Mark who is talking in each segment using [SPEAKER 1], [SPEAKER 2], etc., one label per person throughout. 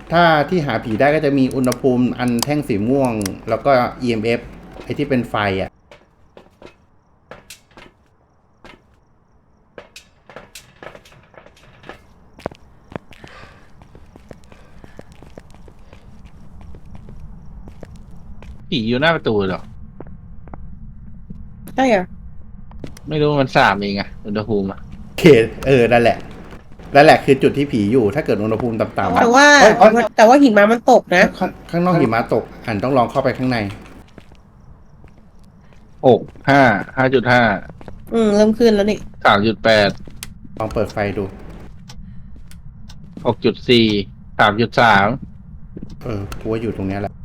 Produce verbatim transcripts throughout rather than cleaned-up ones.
[SPEAKER 1] ถ้าที่หาผีได้ก็จะมีอุณหภูมิอันแท่งสีม่วง แล้วก็ อี เอ็ม เอฟ ไอที่เป็นไฟอ่ะ
[SPEAKER 2] ผีอยู่หน้าประตูเหรอ
[SPEAKER 3] ใช่เหรอ
[SPEAKER 2] ไม่รู้มันสามเองอะอุณหภูมิอะ
[SPEAKER 1] โอเคเออ นั่นแหละ นั่นแหละคือจุดที่ผีอยู่ ถ้าเกิดอุณหภูมิต่ำๆ
[SPEAKER 3] แต่ว่า
[SPEAKER 1] เอ้ยเอ้ย
[SPEAKER 3] แต่ว่าหิมะมันตกนะ
[SPEAKER 1] ข้างข้างนอกหิมะตกอันต้องลองเข้าไปข้างใน
[SPEAKER 2] หกห้าห้าจุดห้า
[SPEAKER 3] อืมเริ่มขึ้นแล้วนี่
[SPEAKER 2] สามจุดแปด
[SPEAKER 1] ลองเปิดไฟดู
[SPEAKER 2] หกจุดสี่สามจุดสาม
[SPEAKER 1] เออกูว่าอยู่ตรงเนี้ยแหละ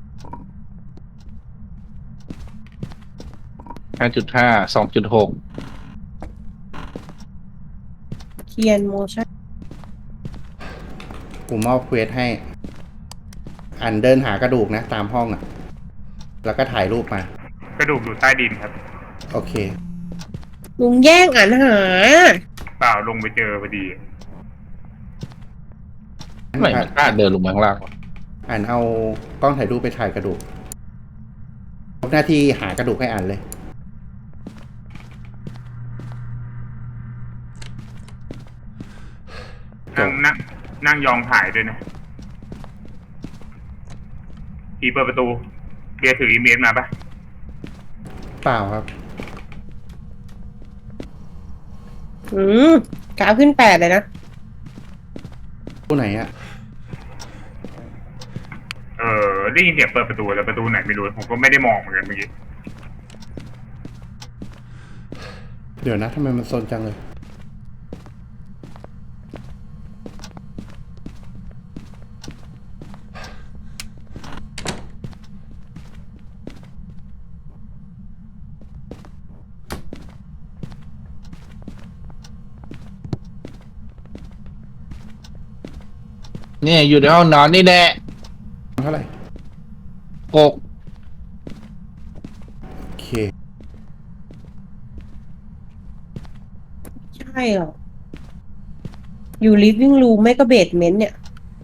[SPEAKER 2] ห้าจุดห้าสองจุดหก
[SPEAKER 3] เทียนโมชั่น
[SPEAKER 1] กูมอบเควสให้ อันเดินหากระดูกนะ ตามห้องอ่ะ แล้วก็ถ่ายรูปมา
[SPEAKER 4] กระดูกอยู่ใต้ดินครับ
[SPEAKER 1] โอเค
[SPEAKER 3] ลุงแย่งอ่านหา
[SPEAKER 4] เปล่าลงไปเจอพอดี
[SPEAKER 2] ทำไมมันกล้าเดินลงมาข้างล่างวะ
[SPEAKER 1] อ่านเอากล้องถ่ายรูปไปถ่ายกระดูกทำหน้าที่หากระดูกให้อ่านเลย
[SPEAKER 4] นั่งนั่งนั่งยองถ่ายด้วยนะผีเปิดประตูเบียร์ถืออีเมลมาปะ
[SPEAKER 1] เปล่าครับ
[SPEAKER 3] อืมกราฟขึ้นแปดเลยนะ
[SPEAKER 1] ผู้ไหนอะ
[SPEAKER 4] เออได้ยินเสียงเปิดประตูแล้วประตูไหนไม่รู้ผมก็ไม่ได้มองเหมือนกันเมื่อกี้
[SPEAKER 1] เดี๋ยวนะทำไมมันโซนจังเลย
[SPEAKER 2] เนี่ยอยู่ในห้องนอนนี่แน่
[SPEAKER 1] เท่าไหร่
[SPEAKER 2] หก
[SPEAKER 1] โอเค
[SPEAKER 3] ใช่เหรอ อยู่ living room ไม่ก็เบสเมนต์เนี่ย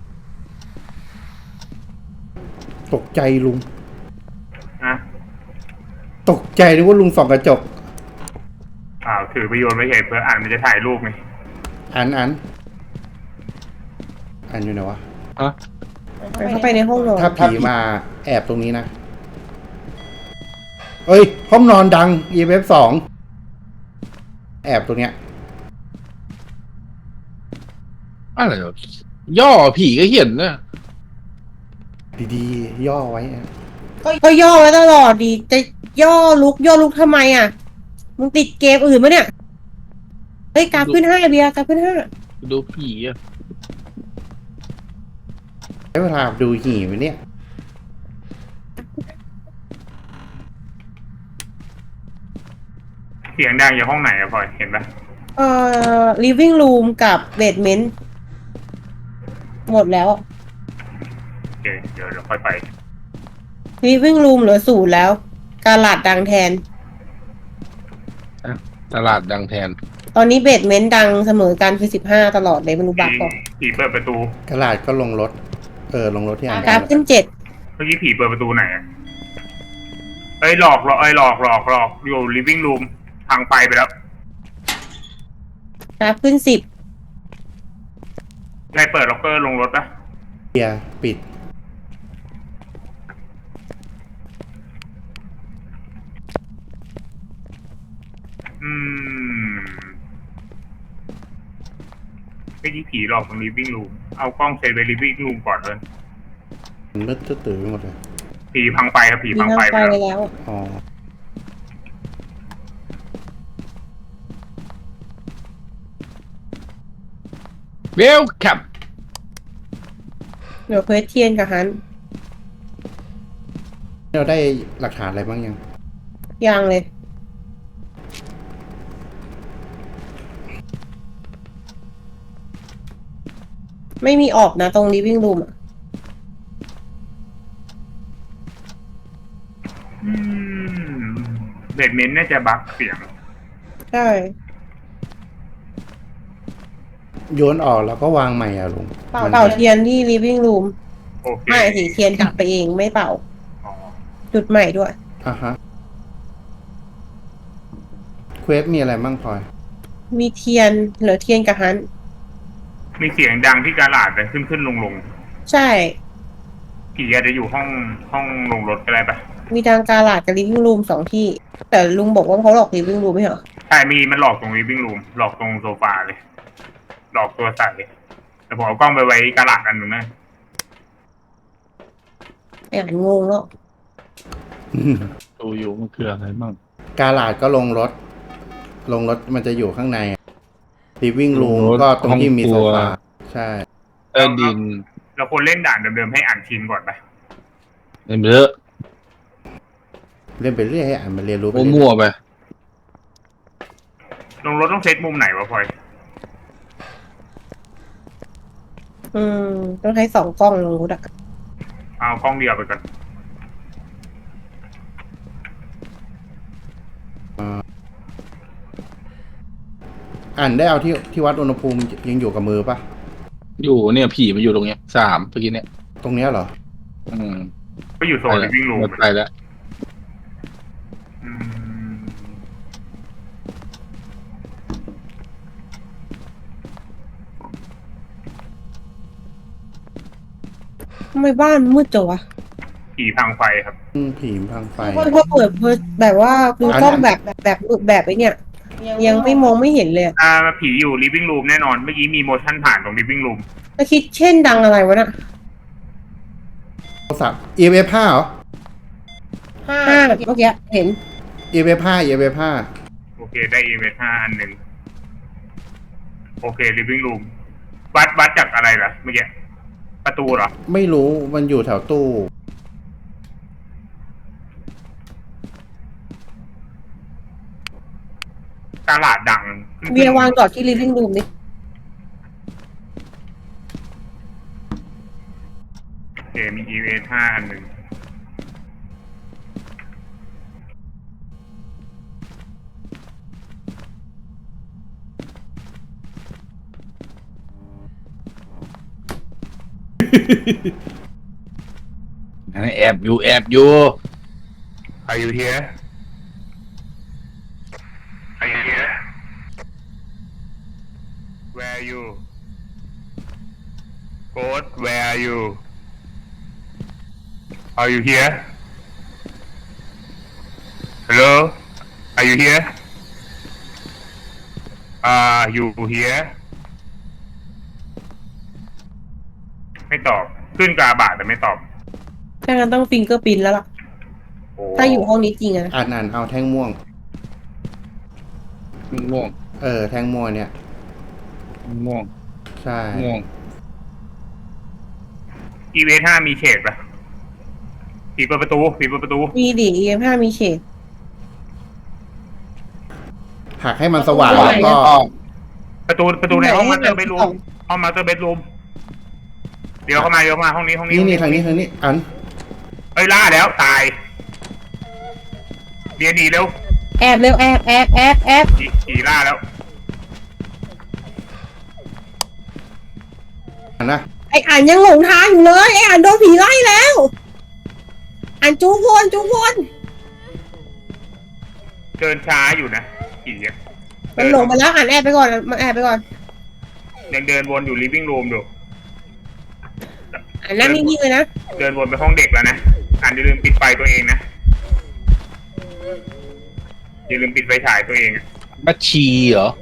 [SPEAKER 1] ตกใจลุง
[SPEAKER 4] นะ
[SPEAKER 1] ตกใจนึกว่าลุงส่องกระจก
[SPEAKER 4] อ้าวถือไปโยนไว้เฉยเพื่ออ่านมันจะถ่ายรูปไง
[SPEAKER 1] อันอันอันอยู่ไหนวะ
[SPEAKER 2] ฮะ
[SPEAKER 3] เข้าไปในห้องนอน
[SPEAKER 1] ถ้าผีมาแอบตรงนี้นะ เอ้ย ห้องนอนดัง อี เอฟ สอง แอบตรงเนี้ย
[SPEAKER 2] อะไรวะย่อผีก็เห็นนะ
[SPEAKER 1] ดีๆ ย่อไว้อะ
[SPEAKER 3] ก็ย่อไว้ตลอดดี จะย่อลุกย่อลุกทำไมอ่ะ มึงติดเกมอื่นปะเนี่ย เฮ้ยกราฟขึ้นห้าเบียร์กราฟขึ้นห้า
[SPEAKER 2] ดูผีอะ
[SPEAKER 1] ใช้เวลาดูหี่ไปเนี่ย
[SPEAKER 4] เสียงดังอยู่ห้องไหนอะพลอยเห็นปะ
[SPEAKER 3] เอ่อ living room กับเบสเมนต์หมดแล้ว
[SPEAKER 4] โอเคเดี๋ยวเราค่อยไป
[SPEAKER 3] living room เหลือศูนย์แล้ว กาลาดดังแทน
[SPEAKER 2] ตลาดดังแทน
[SPEAKER 3] ตอนนี้เบสเมนต์ดังเสมอกันคือสิบห้าตลอดเลยไม่รู้บัก
[SPEAKER 4] ผี
[SPEAKER 3] ก่อน
[SPEAKER 4] ผีเปิดประตู
[SPEAKER 1] กระลาดก็ลงรถ เออ ลงรถที่อ่าน
[SPEAKER 3] กราฟขึ้นเจ็ด
[SPEAKER 4] เมื่อกี้ผีเปิดประตูไหนอะเอ้ยหลอกหลอกเอ้ยหลอกหลอกหลอกอยู่ living room ทางไฟไปแล้ว
[SPEAKER 3] กราฟขึ้นสิบ
[SPEAKER 4] ใครเปิดล็อกเกอร์ลงรถปะ
[SPEAKER 1] เบียร์ปิด
[SPEAKER 4] อืมไม่ใช่ผีหลอกตรง living room เอากล้องเซตไว้ living room ก่อนเลย
[SPEAKER 1] มันมืดตื่นไปหมดเลย
[SPEAKER 4] ผีพังไฟครับผี
[SPEAKER 3] มี
[SPEAKER 4] พัง
[SPEAKER 3] ทาง
[SPEAKER 4] ไฟ
[SPEAKER 3] ไฟ
[SPEAKER 4] ไป
[SPEAKER 3] ไป
[SPEAKER 4] แล้ว
[SPEAKER 3] แล้ว
[SPEAKER 1] อ๋อ
[SPEAKER 2] เวลคัม
[SPEAKER 3] เดี๋ยวเควสเทียนกับฮัน
[SPEAKER 1] เราได้หลักฐานอะไรบ้างยัง
[SPEAKER 3] ยังเลย ไม่มีออกนะตรง living room อ่ะ
[SPEAKER 4] อืมเบดเมนต์น่าจะบั๊กเสียง
[SPEAKER 3] ใช่
[SPEAKER 1] โยนออกแล้วก็วางใหม่อะลุง
[SPEAKER 3] เป่า
[SPEAKER 1] มัน
[SPEAKER 3] เป่าเทียนที่ living room
[SPEAKER 4] โอเค
[SPEAKER 3] ไม่สิเทียนกลับไปเองไม่เป่า
[SPEAKER 4] อ๋อ
[SPEAKER 3] จุดใหม่ด้วย
[SPEAKER 1] อ่ะฮะเควสมีอะไรบ้างพลอย
[SPEAKER 3] มีเทียนเหลือเทียนกับฮัน
[SPEAKER 4] มีเสียงดังที่กาลาดเลยขึ้นขึ้นลงลง
[SPEAKER 3] ใช่
[SPEAKER 4] ผีอาจจะอยู่ห้องห้องลงรถก็ได้ปะ
[SPEAKER 3] มีทางกาลาดกับ living room สองที่ แต่ลุงบอกว่าเขาหลอก living room ไม่เหรอ
[SPEAKER 4] ใช่มีมันหลอกตรง living room หลอกตรงโซฟาเลย หลอกตัวใส่แต่ผมเอากล้องไปไว้กาลาดอันหนึ่งนะ
[SPEAKER 3] ไอ้อ่านงงแล้ว
[SPEAKER 2] ดูอยู่มันคืออะไรบ้าง
[SPEAKER 1] กาลาดก็ลงรถ ลงรถมันจะอยู่ข้างในลิฟวิ่งรูม
[SPEAKER 2] ลงรถ
[SPEAKER 1] ก็ตรงที่มี
[SPEAKER 2] ห้องครั
[SPEAKER 1] โซ
[SPEAKER 2] ว
[SPEAKER 1] ฟาใช่
[SPEAKER 2] ใต้ดิน
[SPEAKER 4] เราควรเล่นด่านเดิมๆให้อ่านชินก่อนปะ
[SPEAKER 2] เล่นไปเยอะ
[SPEAKER 1] เล่นไปเรื่อยให้อ่านมาเรียนรู้ไปเรื่อย
[SPEAKER 2] มั่วๆไป
[SPEAKER 4] ลงรถต้องเซตมุมไหนวะพลอย
[SPEAKER 3] อืม ต้องใช้สองกล้องลงรุดอะ
[SPEAKER 4] เอากล้องเดียวไปก่อน
[SPEAKER 1] อ่านได้เอาที่ที่วัดอุณหภูมิยังอยู่กับมือปะ
[SPEAKER 2] อยู่เนี่ยผีมันอยู่ตรงเนี้ยสามเมื่อกี้เนี่ย
[SPEAKER 1] ตรงเนี้ยเหรอ
[SPEAKER 2] อืม
[SPEAKER 4] ก็อยู่โซน living room
[SPEAKER 2] ไปแล้ว
[SPEAKER 4] อืม
[SPEAKER 3] ทำไมบ้านมืดจังวะ
[SPEAKER 4] ผีพังไฟครับ
[SPEAKER 1] อืมผีมพังไฟ
[SPEAKER 3] เพราะเปิดแบบว่าดูกล้องแบบแบบแบบไอ้เนี่ย ยังไม่มองไม่เห็นเลย
[SPEAKER 4] อ่าผีอยู่ living room แน่นอน เมื่อกี้มี motion ผ่านตรง living room
[SPEAKER 3] แล้วคิดเช่นดังอะไรวะน่ะ
[SPEAKER 1] โทรศัพท์ อี เอฟ ห้าเหรอ
[SPEAKER 3] ห้าเมื่อกี้เห็น
[SPEAKER 1] อี เอฟ ห้า อี เอฟ ห้า
[SPEAKER 4] โอเคได้ อี เอ ห้าอันหนึ่งโอเค living room วัดวัดจากอะไรล่ะเมื่อกี้ประตูเหรอ
[SPEAKER 1] ไม่รู้มันอยู่แถวตู้
[SPEAKER 4] ตลาดดังขึ้น
[SPEAKER 3] เบียร์วางจอดที่ living room ดิ
[SPEAKER 4] โอเคมี อี เอ ห้าอันหนึ่ง
[SPEAKER 2] อันนี้แอบอยู่แอบอยู่
[SPEAKER 4] Are you here Are you here Where are you Ghost Where are you Are you here Hello Are you here Are you here ไม่ตอบ ขึ้นกาบาทแต่ไม่ตอบ
[SPEAKER 3] ถ้างั้นต้องฟิงเกอร์ปินแล้วล่ะ
[SPEAKER 4] โอ้
[SPEAKER 3] ถ้าอยู่ห้องนี้จริงอะนะ
[SPEAKER 1] อ่านอ่านเอาแท่งม่วง
[SPEAKER 2] ม่วง
[SPEAKER 1] เออ แท่งม่วงเนี่ย
[SPEAKER 2] ม่วง
[SPEAKER 1] ใช่
[SPEAKER 2] ม่วง
[SPEAKER 4] อีเวห้ามีเฉดปะผีเปิดประตูผีเปิดประตู
[SPEAKER 3] มีดิเอ็มห้ามีเฉด
[SPEAKER 1] หักให้มันสว่างแล้วก็
[SPEAKER 4] ประตูประตูในห้องมาสเตอร์เบดรูมห้องมาสเตอร์เบดรูมเดี๋ยวเข้ามาเดี๋ยวเข้ามาห้องนี้ห้องนี้
[SPEAKER 1] นี่นี่ทางนี้ทางนี้อัน
[SPEAKER 4] เอ้ยล่าแล้วตายเรียนหนีเร็ว
[SPEAKER 3] แอบเร็วแอบแอบแอบแอบ
[SPEAKER 4] ผีผีล่าแล้ว
[SPEAKER 1] อันนะ
[SPEAKER 3] ไออ่านยังหลงทางอยู่เลยไออ่านโดนผีไล่แล้ว อ่านจูวนจูวน
[SPEAKER 4] เดินช้าอยู่นะผีอะ
[SPEAKER 3] มันหลงไปแล้วอ่านแอบไปก่อนมาแอบไปก่อน
[SPEAKER 4] ยังเดินวนอยู่ living room อยู่
[SPEAKER 3] อ่านนั่งนิ่งๆเลยนะ
[SPEAKER 4] เดินวนไปห้องเด็กแล้วนะอ่านอย่าลืมปิดไฟตัวเองนะอย่าลืมปิดไฟฉายตัวเองอะ
[SPEAKER 2] บัญชีเหรอ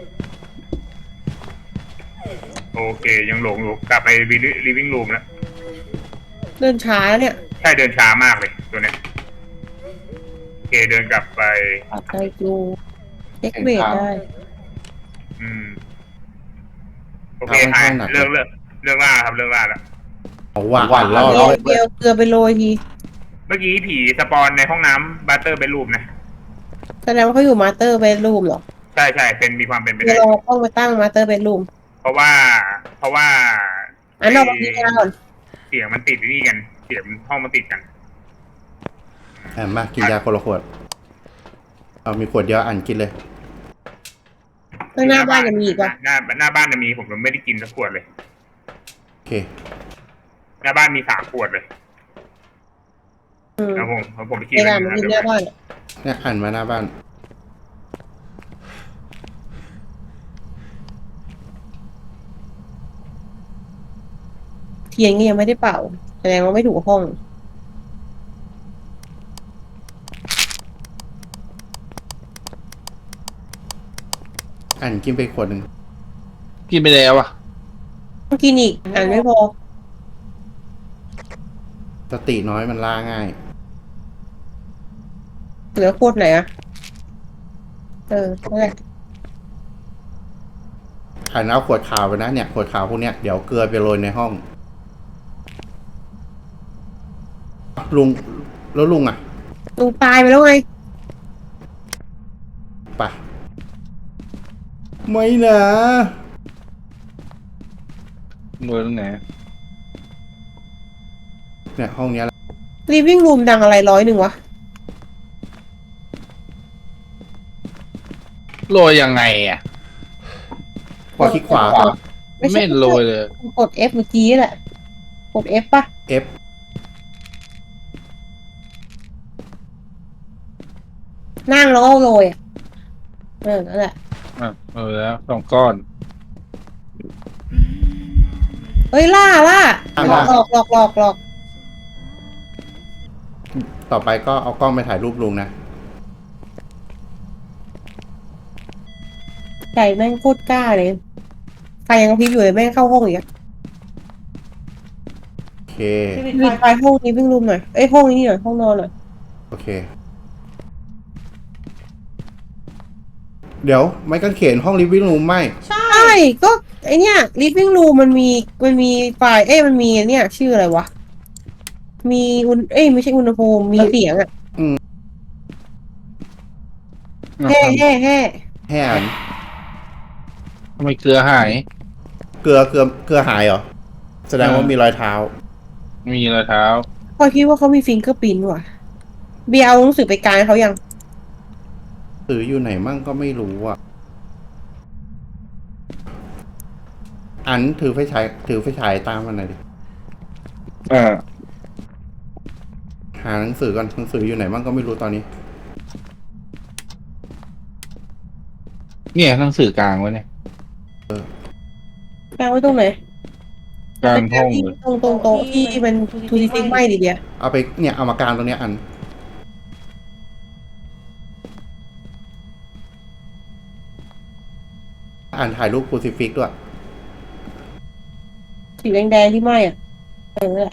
[SPEAKER 4] โอเคยังหลงอยู่กลับไป living room แล้ว
[SPEAKER 3] เดินช้าแล้วเนี่ย
[SPEAKER 4] ใช่เดินช้ามากเลยตัวเนี้ยโอเคเดินกลับไป
[SPEAKER 3] ปัดได้จูเช็คเวทได้
[SPEAKER 4] อืมโอเคหายเลิกเลิกเลิกล่าครับเลิกล่าแล้ว
[SPEAKER 1] เอาว่า
[SPEAKER 2] ว่า
[SPEAKER 1] อ่านรอบ
[SPEAKER 3] เดียวเดียวเกลือไปโรยที
[SPEAKER 4] เมื่อกี้ผีสปอนในห้องน้ำบัตเตอร์เบดรูมนะ
[SPEAKER 3] แสดงว่าเขาอยู่มาสเตอร์เบดรูมเหรอ
[SPEAKER 4] ใช่ใช่เป็นมีความเป็นไป
[SPEAKER 3] เดี๋ย
[SPEAKER 4] ได้
[SPEAKER 3] วเราต้องไปตั้งมาสเตอร์เบดรูม
[SPEAKER 4] เพราะว่า เพราะว่า
[SPEAKER 3] อันนอกจากนี้ก่อน
[SPEAKER 4] เสียงมันติดนี่กัน เสียงห้องมันติดกัน
[SPEAKER 1] อ่านมากินยาคนละขวด เอามีขวดเดียวอ่านกินเลย
[SPEAKER 3] ข้างหน้าบ้านยังมีอีก
[SPEAKER 4] ห
[SPEAKER 3] วะ
[SPEAKER 4] น้าหน้าบ้านจะมีผมยังไม่ได้กินสักขวดเลย
[SPEAKER 1] โอเค
[SPEAKER 4] หน้าบ้านมีสามขวดเลย
[SPEAKER 3] อืม
[SPEAKER 4] แล้วผมแล้วผมไปกิน
[SPEAKER 3] ไอ้ด่านมันมีหน้าบ้านอะ
[SPEAKER 1] เนี่ยอันมาหน้าบ้าน
[SPEAKER 3] เทียนก็ยังไม่ได้เป่าแสดงว่าไม่ถูกห้อง
[SPEAKER 1] อันกินไปขวดหนึ่ง
[SPEAKER 2] กินไปแล้วอ่ะ
[SPEAKER 3] ต้องกินอีกอ่านไม่พอ
[SPEAKER 1] สติน้อยมันล่าง่าย
[SPEAKER 3] เหลือโคตรไหนอะเออนั่นแหละ
[SPEAKER 1] อันเอาขวดขาวไปนะเนี่ยขวดขาวพวกเนี้ยเดี๋ยวเกลือไปโรยในห้องลุงแล้วลุงอ่ะ
[SPEAKER 3] ลุงตายไปแล้วไง
[SPEAKER 1] ปะไม่นะ
[SPEAKER 2] โดนตรงไหน
[SPEAKER 1] เนี่ยห้องเนี้ยแหละ
[SPEAKER 3] living room ดังอะไรร้อยหนึ่งวะ
[SPEAKER 2] โรยยังไงอ่ะ
[SPEAKER 1] พอคลิกขวา
[SPEAKER 3] ไม่ใช่
[SPEAKER 2] ไม่โรยเลย
[SPEAKER 3] กด F เมื่อกี้แหละ กด F ป่ะ
[SPEAKER 1] F
[SPEAKER 3] นั่งแล้วก็โรยอ่ะ เออ นั่นแหละ
[SPEAKER 2] อ่ะเออแล้วสองก้อน
[SPEAKER 3] เฮ้ย ล่าล่า
[SPEAKER 1] อ่ะ
[SPEAKER 3] หลอกหลอกหลอกหลอกหลอก
[SPEAKER 1] ต่อไปก็เอากล้องไปถ่ายรูปลุงนะ
[SPEAKER 3] ใจแม่งโคตรกล้าเลย ไฟยังกระพริบอยู่เลยแม่งเข้าห้องอีกอะ
[SPEAKER 1] โอเค
[SPEAKER 3] ปิดไฟห้องนี้วิ่งรูมหน่อย เอ้ยห้องนี้หน่อย ห้องนอนหน่อย
[SPEAKER 1] โอเค เดี๋ยวไม่กางเขนห้องลิฟวิ่งรูมไหม
[SPEAKER 3] ใช่ ก็ไอเนี้ย living room มันมี มันมีไฟ เอ้ย มันมีเนี่ยชื่ออะไรวะ มีอุณเอ้ย ไม่ใช่อุณหภูมิ มีเสียงอะแห่แห่แห่
[SPEAKER 1] ให้อ่าน
[SPEAKER 2] ทำไมเกลือหาย
[SPEAKER 1] เกลือเกลือเกลือหายเหรอ แสดงว่ามีรอยเท้า
[SPEAKER 2] มีรอยเท้า
[SPEAKER 3] พอคิดว่าเขามีฟิงเกอร์พิ้นว่ะ เบียร์เอาหนังสือไปกลางเขายัง
[SPEAKER 1] สื่ออยู่ไหนมั่งก็ไม่รู้อ่ะ อันถือไฟฉายถือไฟฉายตามมันหน่อยดิ
[SPEAKER 2] อ่า
[SPEAKER 1] หาหนังสือก่อนหนังสืออยู่ไหนมั่งก็ไม่รู้ตอนนี้
[SPEAKER 2] เนี่ยหนังสือกลางไว้เนี่ย
[SPEAKER 3] กลางไว้ตรงไหน
[SPEAKER 2] กลางห้องเลย
[SPEAKER 3] ตรงตรงโต๊ะที่มันทูดิฟิกไม่ดิเดีย
[SPEAKER 1] เอาไปเนี่ยเอามากางตรงเนี้ยอัน อ่านถ่ายรูปครูซิฟิกด้วย
[SPEAKER 3] สีแดงๆที่ไหม้อ่ะ เออนั่นแหละ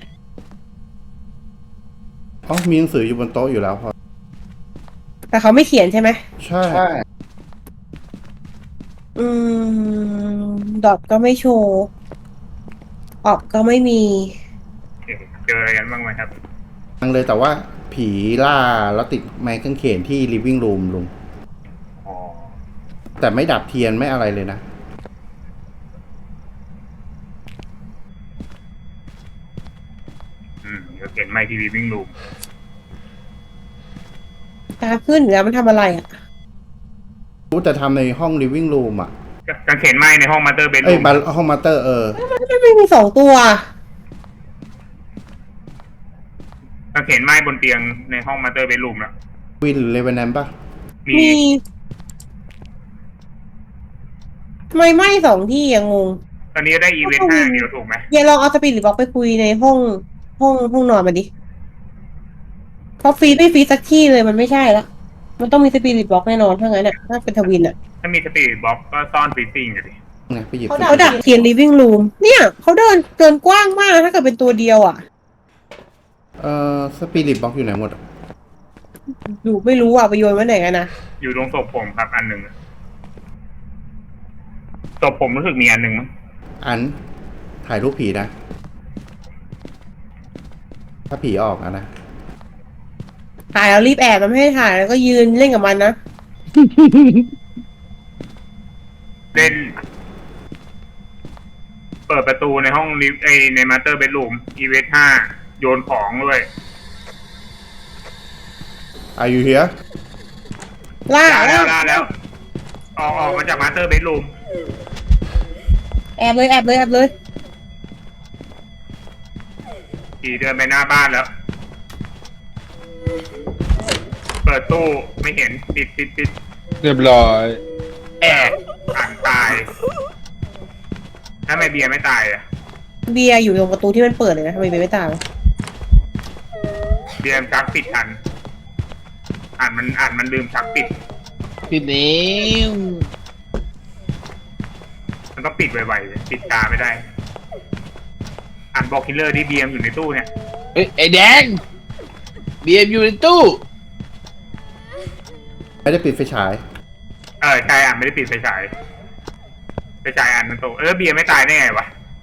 [SPEAKER 1] อ๋อมีหนังสืออยู่บนโต๊ะอยู่แล้วพอ
[SPEAKER 3] แต่เขาไม่เขียนใช่ไหม
[SPEAKER 1] ใช่
[SPEAKER 3] อืม ดอทก็ไม่โชว์ออกก็ไม่มี
[SPEAKER 4] เจออะไรกันบ้างไหมครับ
[SPEAKER 1] ทังเลยแต่ว่าผีล่าแล้วติดไม้กางเขนที่ living room ลุง
[SPEAKER 4] อ๋อ
[SPEAKER 1] แต่ไม่ดับเทียนไม่อะไรเลยนะ
[SPEAKER 4] อืมเดี๋ยวเขียนไม่ที่วิ่งลูม
[SPEAKER 3] ตาขึ้นแล้วมันทำอะไรอ่ะ
[SPEAKER 1] รู้แต่ทำในห้อง living room อ่ะ
[SPEAKER 4] กางเขนไหมในห้องมาสเตอร์เบด
[SPEAKER 1] เอ้
[SPEAKER 4] รู
[SPEAKER 1] ย
[SPEAKER 4] ม
[SPEAKER 1] มาห้องมาสเตอร์เออ
[SPEAKER 3] มันไม่มีสองตัว
[SPEAKER 4] กางเขนไหมบนเตียงในห้องมาสเตอร์เบดรูมนะ
[SPEAKER 1] วินหรือเลเวนแนมปะ
[SPEAKER 4] มี
[SPEAKER 3] มีทำไมไหม้สองที่ยังงง
[SPEAKER 4] ตอนนี้ได้อีเวนต์ห้าเดียวถูกไหม
[SPEAKER 3] เดี๋ยวลองเอาสปิริตบ็อกไปคุยในห้องห้องห้องนอนมาดิเพราะฟีดไม่ฟีดสักที่เลยมันไม่ใช่ละมันต้องมีสปิริตบ็อกแน่นอนถ้างั้นอ่ะถ้าเป็นทวินอ่ะ
[SPEAKER 4] ถ้ามีสปีดบ็อกก็ซ่อนฟิซซิ่งอยู่ดิ
[SPEAKER 1] ไงไปหยิบ
[SPEAKER 3] เขาดักเทียน living room เนี่ยเขาเดินเดินกว้างมากถ้าเกิดเป็นตัวเดียวอ่ะ
[SPEAKER 1] เอ่อสปิริตบ็อกอยู่ไหนหมดอะ
[SPEAKER 3] อยู่ไม่รู้อ่ะไปโยนไว้ไหนกันนะ
[SPEAKER 4] อยู่ตรงศพผมครับอันหนึ่งศพผมรู้สึกมีอันหนึ่งมั้ง
[SPEAKER 1] อันถ่ายรูปผีนะ ถ้าผีออกอะนะ
[SPEAKER 3] ถ่ายแล้วรีบแอบมันไม่ให้ถ่ายแล้วก็ยืนเล่นกับมันนะ
[SPEAKER 4] เล่น เปิดประตูในห้องลิฟต์ไอในมาสเตอร์เบดรูมอีเวนต์ห้าโยนของด้วย
[SPEAKER 1] Are you here
[SPEAKER 3] ล่า
[SPEAKER 4] ล่าแล้วล่าแล้วออกออกมาจากมาสเตอร์เบดรูม
[SPEAKER 3] แอบเลยแอบเลยแอบเลย
[SPEAKER 4] ผีเดินไปหน้าบ้านแล้ว เปิดตู้ไม่เห็นปิดปิดปิด
[SPEAKER 2] เรียบร้อย
[SPEAKER 4] แอบอ่านตายถ้าไม่เบียร์ไม่ตายอ่ะ
[SPEAKER 3] เบียร์อยู่ตรงประตูที่มันเปิดเลยนะทำไมเบียร์ไม่ตาม
[SPEAKER 4] เบียร์ชักปิดทันอ่านมันอ่านมันลืมชักปิด
[SPEAKER 2] ปิดนี้
[SPEAKER 4] มันต้องปิดไวๆปิดตาไม่ได้ อ่านบอกคิลเลอร์ที่เบียร์อยู่ในตู้เนี่ย
[SPEAKER 2] เอ้ยไอ้แดงเบียร์อยู่ในตู้
[SPEAKER 1] ไม่ได้ปิดไฟฉาย
[SPEAKER 4] เออใช่อ่านไม่ได้ปิดไฟฉายไฟฉายอ่านมันโตเออเบียร์ไม่ตายได้ไงวะ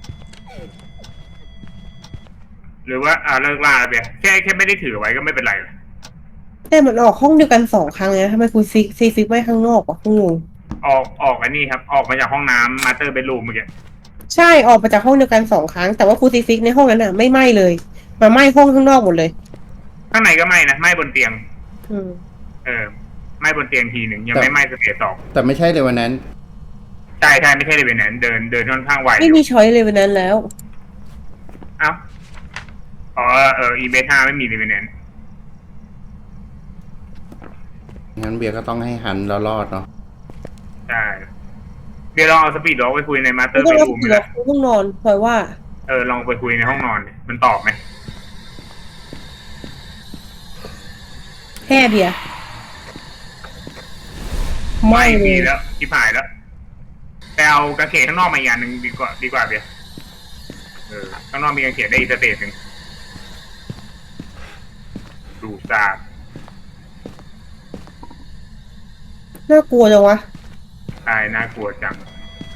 [SPEAKER 4] หรือว่าอ่าเลิกล่าแล้วเบียร์แค่แค่ไม่ได้ถือไว้ก็ไม่เป็นไร
[SPEAKER 3] แต่มันออกห้องเดียวกันสองครั้งเลยนะทำไมคุณซิกซีซิกไว้ข้างนอกวะงง
[SPEAKER 4] ออกออกอันนี้ครับ ออกมาจากห้องน้ำมาสเตอร์เบดรูมเมื่อกี้
[SPEAKER 3] ใช่ออกมาจากห้องเดียวกันสองครั้งแต่ว่าคุณซิกซิกในห้องนั้นอ่ะไม่ไหม้เลยมาไหม้ห้องข้างนอกหมดเลย
[SPEAKER 4] ข้างในก็ไหม้นะไหม้บนเตียง
[SPEAKER 3] อืม
[SPEAKER 4] เออไหม้บนเตียงทีหนึ่งยังไม่ไหม้สเตจสอง
[SPEAKER 1] แต่ไม่ใช่เลยวันนั้น
[SPEAKER 4] ใช่ใช่ไม่ใช่เลยเป็นนั้นเดินเดินค่อนข้างไวอ
[SPEAKER 3] ไม่
[SPEAKER 4] ยู่
[SPEAKER 3] มีช้อยเลยวันนั้นแล้ว
[SPEAKER 4] เอ้าอ๋อเอออีเบท่าไม่มีเลยเป็นนั้น
[SPEAKER 1] งั้นเบียร์ก็ต้องให้หันแล้วรอดเนาะ
[SPEAKER 4] ใช่เดี๋ยวลองเอาสปีดด็อกไปคุยในมาสเตอ
[SPEAKER 3] ไม่
[SPEAKER 4] ร์
[SPEAKER 3] ต้อง
[SPEAKER 4] เบด
[SPEAKER 3] รับ
[SPEAKER 4] รูม
[SPEAKER 3] ผิด
[SPEAKER 4] เล
[SPEAKER 3] หรอย กต้องนอนเพราะว่า
[SPEAKER 4] เออลองไปคุยในห้องนอนดิมันตอบไหม
[SPEAKER 3] แค่เบียร์ไม่เล
[SPEAKER 4] มี
[SPEAKER 3] ย
[SPEAKER 4] แล้วที่ผายแล้วแต่เอากางเขนข้างนอกมาอีกอย่างหนึ่งดีกว่าดีกว่าเบียร์เออข้างนอกมีกางเขนได้อีกสเตจหนึ่งดูซาบ
[SPEAKER 3] น่ากลัวจังวะ
[SPEAKER 4] ใช่น่ากลัวจัง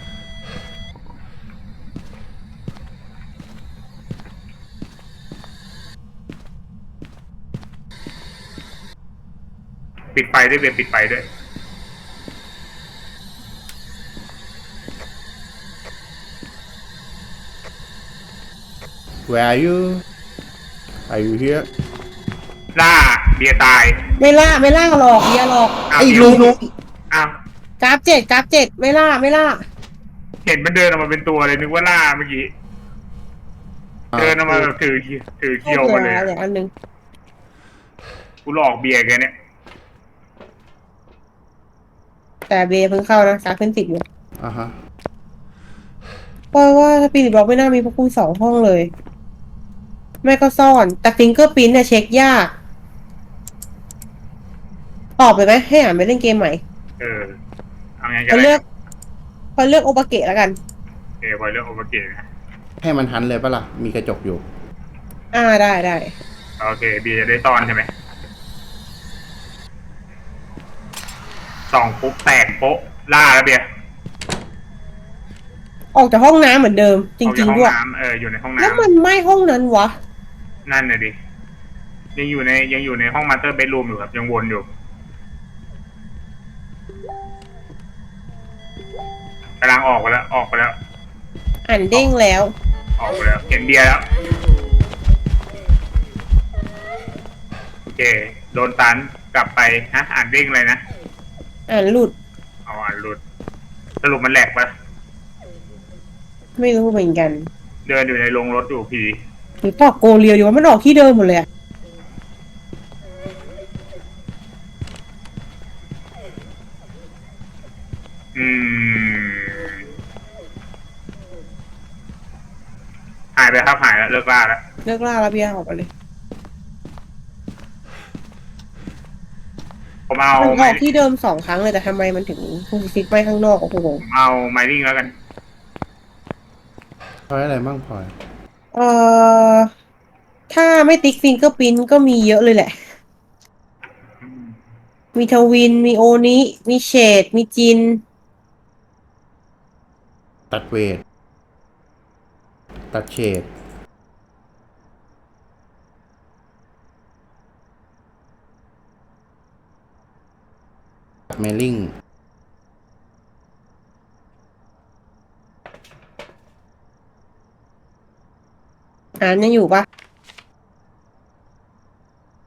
[SPEAKER 4] ปิดไฟด้วยเบียร์ปิดไฟด้วย
[SPEAKER 1] Where are you Are you here
[SPEAKER 4] ล่าเบียร์ตาย
[SPEAKER 3] ไม่ล่าไม่ล่าหรอกเบียร์หรอก
[SPEAKER 4] อ้าว
[SPEAKER 1] ไอ้ลุง
[SPEAKER 4] อ้าว
[SPEAKER 3] กราฟเจ็ดกราฟเจ็ดไม่ล่าไม่ล่า
[SPEAKER 4] เห็นมันเดินออกมาเป็นตัวเลยนึกว่าล่าเมื่อกี้เดินออกมาแบบถือถือเคียวมาเลย
[SPEAKER 3] เหลืออันหนึง
[SPEAKER 4] กูหลอกเบียร์แกเนี่ย
[SPEAKER 3] แต่เบียร์เพิ่งเข้านะกราฟขึ้นติดอยู่
[SPEAKER 1] อ่าฮะ
[SPEAKER 3] เพราะว่าสปิริตบล็อกไม่น่ามีพวกคุณสองห้องเลย ไม่ก็ซ่อน แต่ฟิงเกอร์พิ้นเนี่ยเช็คยากออกไปไหมให้อ่านไปเล่นเกมใหม่
[SPEAKER 4] เออเอาไงกั
[SPEAKER 3] พอน
[SPEAKER 4] เล
[SPEAKER 3] เลื
[SPEAKER 4] ย
[SPEAKER 3] อกพอเลือกโอปาเกะแล้วกัน
[SPEAKER 4] เออพอเลือกโอเวอร์เกตนะ
[SPEAKER 1] ให้มันหันเลยปะล่ะ มีกระจกอยู่
[SPEAKER 3] อ่าได้ได้
[SPEAKER 4] โอเคเบียร์จะได้ซ่อนใช่ไหมส่องปุ๊บแตกโป๊ะล่าแล้วเบียร์
[SPEAKER 3] ออกจากห้องน้ำเหมือนเดิม จ
[SPEAKER 4] ออก
[SPEAKER 3] ริ
[SPEAKER 4] จาก
[SPEAKER 3] ง
[SPEAKER 4] ห้อ
[SPEAKER 3] ๆ
[SPEAKER 4] ง
[SPEAKER 3] ด้วย
[SPEAKER 4] น้ำเอออยู่ในห้อง
[SPEAKER 3] แล้ว
[SPEAKER 4] น้ำ
[SPEAKER 3] มันไม่ห้องนั้นวะ
[SPEAKER 4] นั่นน่ะดิยังอยู่ในยังอยู่ในห้องมาสเตอร์เบดรูมอยู่ครับยังวนอยู่กำลังออกไปแล้วออกไปแล้ว
[SPEAKER 3] อ่านเด้งแล้ว
[SPEAKER 4] ออกไปแล้วเห็นเบียร์แล้วโอเคโดนตันกลับไปฮะอ่านเด้งเลยนะ
[SPEAKER 3] อ่านหลุด
[SPEAKER 4] เอาอ่านหลุดสรุปมันแหลกปะ
[SPEAKER 3] ไม่รู้เหมือนกัน
[SPEAKER 4] เดินอยู่ในโรงรถอยู่พี
[SPEAKER 3] หรือตอกโกเรียวดีว่ามันออกที่เดิมหมดเลยอะ
[SPEAKER 4] อืมหายไปครับหายแล้วเลิกล่าแล้ว
[SPEAKER 3] เลิกล่าแล้วเบียร์ออกไปเลย
[SPEAKER 4] ผมเอา
[SPEAKER 3] มันอ
[SPEAKER 4] ไม้
[SPEAKER 3] อกที่เดิมสองครั้งเลยแต่ทำไมมันถึงคุณซิกไปข้างนอกโอ้โห
[SPEAKER 4] ผมเอาไมลิ่งแล้วกัน
[SPEAKER 1] พอยอะไรบ้างพลอย
[SPEAKER 3] เอ่อถ้าไม่ติ๊กฟิงเกอร์พิ้นก็มีเยอะเลยแหละ มีทวิน มีโอนิ มีเชด มีจิน
[SPEAKER 1] ตัดเวท ตัดเฉดเมลลิง
[SPEAKER 3] อ่านยังอยู่ปะ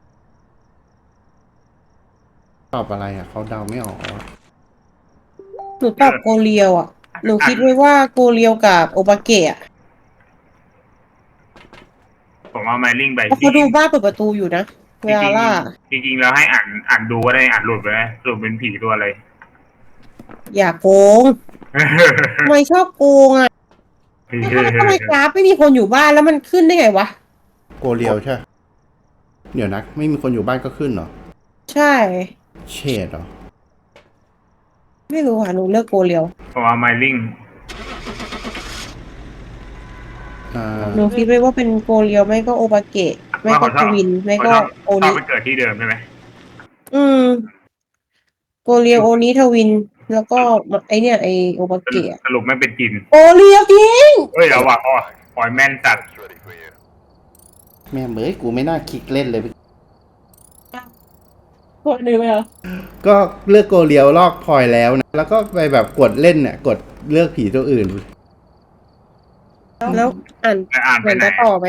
[SPEAKER 1] ตอบอะไรอ่ะ เขาเดาไม่ออกอะ
[SPEAKER 3] หนูตอบโกเรียวอ่ะ หนูคิดไว้ว่าโกเรียวกับโอบาเกะอะ
[SPEAKER 4] ผมเอาไมลิงไป
[SPEAKER 3] เพราะเขาดูบ้านเปิดประตูอยู่นะ เวลาล่า
[SPEAKER 4] จริงๆจริงๆแล้วให้อ่านอ่านดูก็ได้อ่านหลุดไปนะหลุดเป็นผีตัวอะไร
[SPEAKER 3] อย่าโกงทำไมชอบโกงอ่ะทำไมกราฟไม่มีคนอยู่บ้านแล้วมันขึ้นได้ไงวะ
[SPEAKER 1] โกเรียวใช่ เดี๋ยวนะไม่มีคนอยู่บ้านก็ขึ้นเหรอ
[SPEAKER 3] ใช่
[SPEAKER 1] เชดเหรอ
[SPEAKER 3] ไม่รู้ค่ะหนูเลือกโกเรียว
[SPEAKER 4] ผมเอาไมลิง
[SPEAKER 1] อ่า
[SPEAKER 3] หนูคิดไว้ว่าเป็นโกเรียวไม่ก็โอบาเกะไม่ก็ทวินไม่ก็โอ
[SPEAKER 4] ชอ
[SPEAKER 3] นิ
[SPEAKER 4] บไปเกิดที่เดิมใช่ไหม
[SPEAKER 3] อืม โกเรียวโอนิทวิน แล้วก็ไอเนี่ยไอโอบาเกะ
[SPEAKER 4] สรุปไม่เป็นจิน
[SPEAKER 3] โกเรียวจริง
[SPEAKER 4] เอ้ยเอาว่ะอ๋อปล่อยแม่นจัด
[SPEAKER 1] แม่เบ้ยกูไม่น่าคลิกเล่นเลย
[SPEAKER 3] กดหนึ่งไหมอ่ะ
[SPEAKER 1] ก็เลือกโกเรียวลอกพลอยแล้วนะ แล้วก็ไปแบบกดเล่นเนี่ย กดเลือกผีตัวอื่น
[SPEAKER 3] แล้วอ่าน
[SPEAKER 4] แต่อ่าน
[SPEAKER 3] เห
[SPEAKER 4] ไป
[SPEAKER 3] มือน
[SPEAKER 4] ไหน
[SPEAKER 3] จะต่อไหม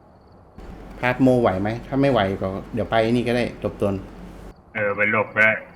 [SPEAKER 1] พาร์ทโมไหวไหม ถ้าไม่ไหวก็เดี๋ยวไปนี่ก็ได้จบตน
[SPEAKER 4] เออไปหลบไปได้